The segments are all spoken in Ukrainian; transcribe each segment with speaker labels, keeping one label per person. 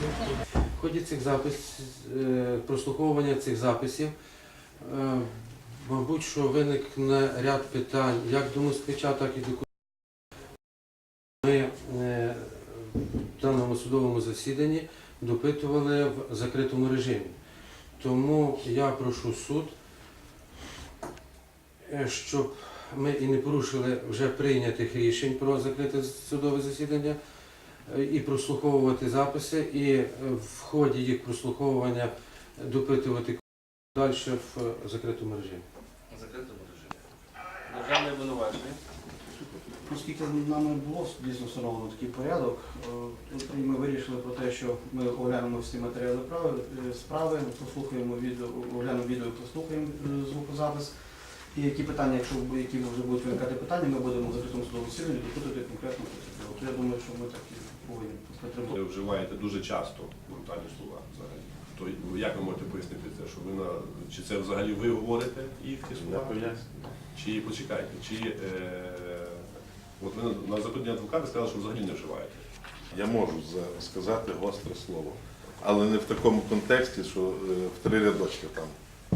Speaker 1: В ході прослуховування цих записів, мабуть, що виникне ряд питань як до москвича, так і до ми в даному судовому засіданні допитували в закритому режимі. Тому я прошу суд, щоб ми і не порушили вже прийнятих рішень про закрите судове засідання, і прослуховувати записи, і в ході їх прослуховування допитувати далі в закритому режимі.
Speaker 2: В закритому режимі. Державне обвинувачення.
Speaker 3: Оскільки нами було дійсно встановлено такий порядок, ми вирішили про те, що ми оглянемо всі матеріали справи, послухаємо відео, оглянемо відео, послухаємо звукозапис. І які питання, які вже будуть виникати питання, ми будемо в закритому судовому засіданні допитувати конкретно потерпілого. Я думаю, що ми так і повинні потребувати.
Speaker 4: Ви вживаєте дуже часто брутальні слова взагалі. То як ви можете пояснити це? Що ви чи це взагалі ви говорите їх ці слова? Чи почекайте, от ви на запитання адвоката сказали, що взагалі не вживаєте.
Speaker 5: Я можу сказати гостре слово, але не в такому контексті, що в 3 рядочки там.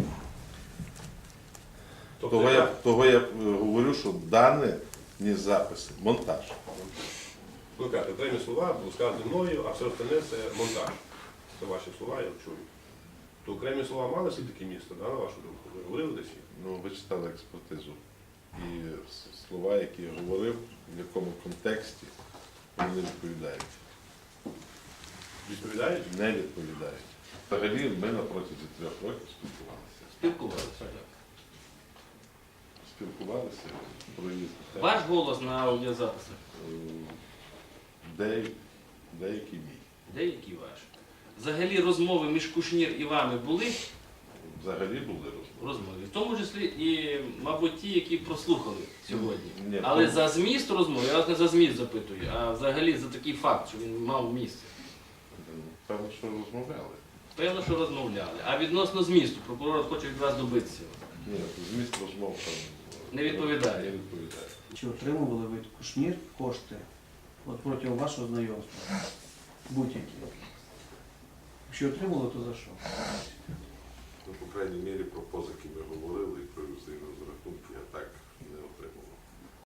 Speaker 5: Того я говорю, що дане не записи, монтаж.
Speaker 4: Ви кажете, окремі слова були сказані мною, а все остальне це монтаж. Це ваші слова, я чую. То окремі слова мали все-таки місто, да, на вашу думку? Ви говорили десь їх?
Speaker 5: Ну, ви читали експертизу. І слова, які я говорив, в якому контексті, вони не відповідають.
Speaker 4: Відповідають?
Speaker 5: Не відповідають. Взагалі ми на протязі 3 років спілкувалися.
Speaker 2: Спілкувалися.
Speaker 5: Спілкувалися про різні теми.
Speaker 2: Ваш голос на аудіозаписах?
Speaker 5: Деякий мій.
Speaker 2: Деякий ваш. Взагалі розмови між Кушнір і вами були?
Speaker 5: Взагалі були
Speaker 2: Розмови. В тому числі і, мабуть, ті, які прослухали сьогодні.
Speaker 5: Ні,
Speaker 2: Але за зміст розмови, я вас не за зміст запитую, а взагалі за такий факт, що він мав місце.
Speaker 5: Певно, що розмовляли.
Speaker 2: Певно, що розмовляли. А відносно змісту, прокурор хоче від вас добитися.
Speaker 5: Ні, зміст розмов там
Speaker 2: Не відповідає.
Speaker 5: Не відповідає.
Speaker 3: Чи отримували ви Кушнір кошти протягом вашого знайомства? Будь-які. Якщо отримували, то за що?
Speaker 5: Ну, по крайній мірі, про позики ми говорили і про юзди розрахунки я так не отримував.